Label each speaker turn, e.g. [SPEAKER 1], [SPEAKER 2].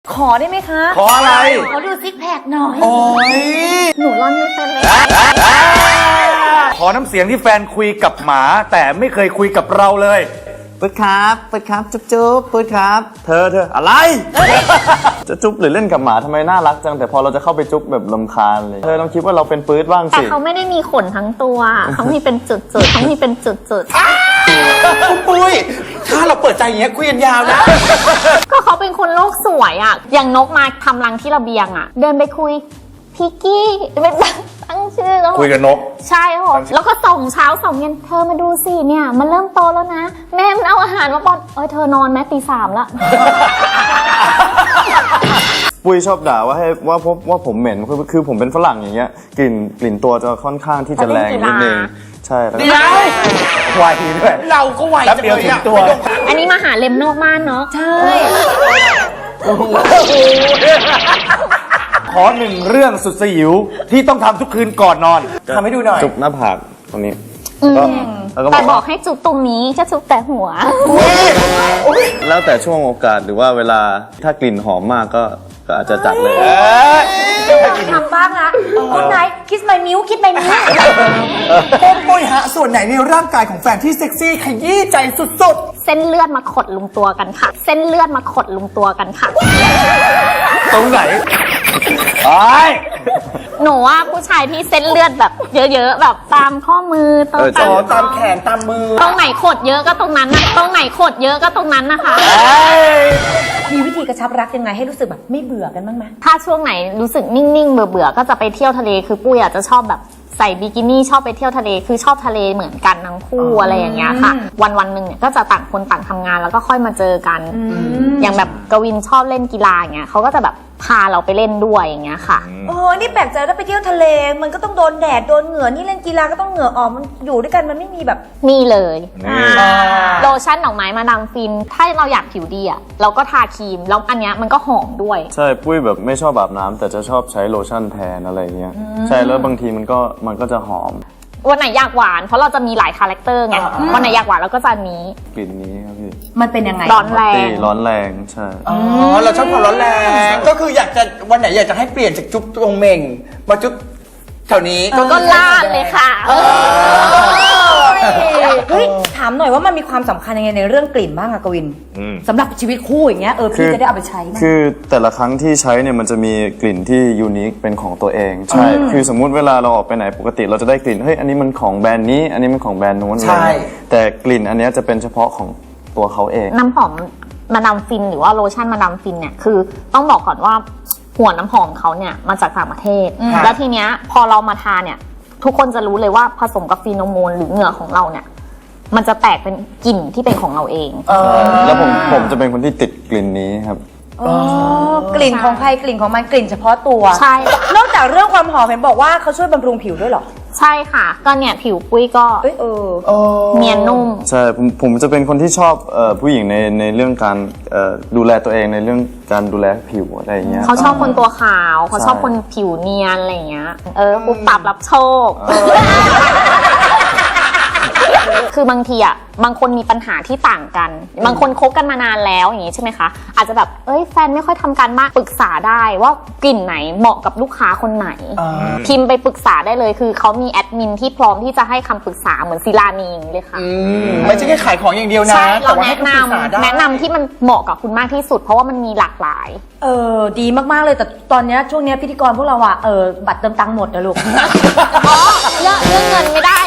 [SPEAKER 1] ขอได้ไหมคะ
[SPEAKER 2] ขออะไร
[SPEAKER 1] ขอดูซิกแพคหน่อย
[SPEAKER 2] โอ้ย
[SPEAKER 1] หนูร่อนไม่เป็นเลย
[SPEAKER 2] ขอน้ำเสียงที่แฟนคุยกับหมาแต่ไม่เคยคุยกับเราเลยปื๊ดครับปื๊ดครับจุ๊บจุ๊บปื๊ดครับเธออะไร จะจุ๊บหรือเล่นกับหมาทำไมน่ารักจังแต่พอเราจะเข้าไปจุ๊บแบบรำคาญเลยเธอต้องคิดว่าเราเป็นปื๊ดบ้าง
[SPEAKER 3] แต่
[SPEAKER 2] สิ
[SPEAKER 3] เขาไม่ได้มีขนทั้งตัวเขามีเป็นจุดๆเขามีเป็นจุด
[SPEAKER 4] คุณปุ้ยถ้าเราเปิดใจอย่างเงี้ยคุยกันยาวนะ
[SPEAKER 3] ๆก็เขาเป็นคนโลกสวยอ่ะอย่างนกมาทำรังที่ระเบียงอ่ะเดินไปคุยพิกกี้เป็นตั้งชื่อแล้ว
[SPEAKER 2] คุยกับนก
[SPEAKER 3] ใช่ค่ะแล้วก็ส่งเช้าส่งเย็นเธอมาดูสิเนี่ยมันเริ่มโตแล้วนะแม่มันเอาอาหารมาป้อนเธอนอนแม่ตี 3ละ
[SPEAKER 2] ปุ้ยชอบด่าว่าผมเหม็นคือผมเป็นฝรั่งอย่างเงี้ยกลิ่นตัวจะค่อนข้างที่จะแรงนิดนึงใช่แล้วก็ไวด้วย
[SPEAKER 4] เราก็ไว
[SPEAKER 2] แป๊บเดียวถึงตัว
[SPEAKER 3] อันนี้มาหาเล็มนอกบ้านเนาะ
[SPEAKER 1] ใช่
[SPEAKER 2] ขอหนึ่งเรื่องสุดสยิวที่ต้องทำทุกคืนก่อนนอน
[SPEAKER 4] ทำให้ดูหน่อย
[SPEAKER 2] จุบหน้าผากตรงนี้แล้วก็
[SPEAKER 3] แต่บอกให้จุบตรงนี้จะจุบแต่หัว
[SPEAKER 2] แล้วแต่ช่วงโอกาสหรือว่าเวลาถ้ากลิ่นหอมมากก็อาจจะจัดเลย
[SPEAKER 1] ทำบ้างนะคุณนายคิสไมมิวคิดไมมิว
[SPEAKER 4] คุณปุ้ยฮะส่วนไหนในร่างกายของแฟนที่เซ็กซี่ขยี้ใจสุด
[SPEAKER 3] เส้นเลือดมาขดลุมตัวกันค่ะ เส้นเลือดมาขดลุมตัวกันค่ะ
[SPEAKER 2] ตรงไหนไอ้
[SPEAKER 3] หนูว่าผู้ชายที่เส้นเลือดแบบเยอะๆแบบตามข้อมือตรง
[SPEAKER 4] ๆ
[SPEAKER 3] ตา
[SPEAKER 4] อ๋อ
[SPEAKER 3] ม
[SPEAKER 4] ตามแขนตามมือ
[SPEAKER 3] ตรงไหนขดเยอะก็ตรงนั้นนะตรงไหนขดเยอะก็ตรงนั้นนะคะ
[SPEAKER 1] มีวิธีกระชับรักยังไงให้รู้สึกแบบไม่เบื่อกันบ้างไหม
[SPEAKER 3] ถ้าช่วงไหนรู้สึกนิ่งๆเบื่อๆก็จะไปเที่ยวทะเลคือปุ้ยอาจจะชอบแบบใส่บิกินี่ชอบไปเที่ยวทะเลคือชอบทะเลเหมือนกันทั้งคู่อะไรอย่างเงี้ยค่ะ วันๆหนึ่งเนี่ยก็จะต่างคนต่างทำงานแล้วก็ค่อยมาเจอกัน อย่างแบบกวินชอบเล่นกีฬาอย่างเงี้ยเขาก็จะแบบพาเราไปเล่นด้วยอย่างเงี้ยค่ะ
[SPEAKER 1] โอ้นี่แปลกใจถ้าไปเที่ยวทะเล มันก็ต้องโดนแดดโดนเหงื่อนี่เล่นกีฬาก็ต้องเหงื่อออกมันอยู่ด้วยกันมันไม่มีแบบ
[SPEAKER 3] นี่เลยโลชั่นดอกไม้มาดามฟิน ถ้าเราอยากผิวดีอ่ะเราก็ทาครีมแล้วอันเนี้ยมันก็หอมด้วย
[SPEAKER 2] ใช่ปุ้ยแบบไม่ชอบอาบน้ำแต่จะชอบใช้โลชั่นแทนอะไรเงี้ยใช่แล้วบางทีมันก็จะหอม
[SPEAKER 3] วันไหนอยากหวานเพราะเราจะมีหลายคาแรคเตอร์ไงวันไหนอยากหวานเราก็จะอันนี้
[SPEAKER 2] กลิ่นนี้ครับพี่
[SPEAKER 1] มันเป็นยังไง
[SPEAKER 3] ร้อนแรง
[SPEAKER 2] ร้อนแรงใช่
[SPEAKER 4] อ๋อเราชอบความร้อนแรงก็คืออยากจะวันไหนอยากจะให้เปลี่ยนจากจุ๊บตรงเมงมาจุ๊บแถวนี้
[SPEAKER 3] ก็ลาดเลยค่ะ
[SPEAKER 1] เฮ้ยถามหน่อยว่ามันมีความสำคัญยังไงในเรื่องกลิ่นบ้างอะกวินสำหรับชีวิตคู่อย่างเงี้ยพี่จะได้เอาไปใช้นะ
[SPEAKER 2] คือแต่ละครั้งที่ใช้เนี่ยมันจะมีกลิ่นที่ยูนิคเป็นของตัวเองใช่คือสมมุติเวลาเราออกไปไหนปกติเราจะได้กลิ่นเฮ้ยอันนี้มันของแบรนด์นี้อันนี้มันของแบรนด์นู้นอะไรเงี้ยแต่กลิ่นอันเนี้ยจะเป็นเฉพาะของตัวเขาเอง
[SPEAKER 3] น้ำหอมมาดามฟินหรือว่าโลชั่นมาดามฟินเนี่ยคือต้องบอกก่อนว่าหัวน้ำหอมเขาเนี่ยมาจากต่างประเทศ แล้วทีเนี้ยพอเรามาทาเนี่ยทุกคนจะรู้เลยว่าผสมกับฟีโนโมนหรือเหงื่อของเราเนี่ยมันจะแตกเป็นกลิ่นที่เป็นของเราเอง
[SPEAKER 2] แล้วผมจะเป็นคนที่ติดกลิ่นนี้ครับ
[SPEAKER 1] กลิ่นของใครกลิ่นของมันกลิ่นเฉพาะตัว
[SPEAKER 3] ใช่
[SPEAKER 1] นอกจากเรื่องความหอมเห็นบอกว่าเขาช่วยบำรุงผิวด้วยเหรอ
[SPEAKER 3] ใช่ค่ะก็เนี่ยผิวปุ้ยก็ เนียนนุ่ม
[SPEAKER 2] ใช่ผมจะเป็นคนที่ชอบผู้หญิงในเรื่องการดูแลตัวเองในเรื่องการดูแลผิวอะไรอย่างเงี้ย
[SPEAKER 3] เขาชอบคนตัวขาวเขาชอบคนผิวเนียนอะไรอย่างเงี้ยปุ๊บปับรับโชค คือบางทีอ่ะบางคนมีปัญหาที่ต่างกัน บางคนคบกันมานานแล้วอย่างงี้ใช่ไหมคะอาจจะแบบแฟนไม่ค่อยทำการบ้านปรึกษาได้ว่ากลิ่นไหนเหมาะกับลูกค้าคนไหน พิมพ์ไปปรึกษาได้เลยคือเขามีแอดมินที่พร้อมที่จะให้คำปรึกษาเหมือนศิลานีอย่างนี้เลยค่ะ
[SPEAKER 4] ไม่ใช่แค่ขายของอย่างเดียวนะ
[SPEAKER 3] ใช่เรา
[SPEAKER 4] แต่ว่ให้
[SPEAKER 3] แนะน
[SPEAKER 4] คำปรึกษาได้
[SPEAKER 3] ำแนะนำที่มันเหมาะกับคุณมากที่สุด เพราะว่ามันมีหลากหลาย
[SPEAKER 1] ดีมากๆเลยแต่ตอนเนี้ยช่วงเนี้ยพิธีกรพวกเราอะบัตรเติมตังค์หมดนะลูก
[SPEAKER 3] อ๋อเรื่องเงินไม่ได้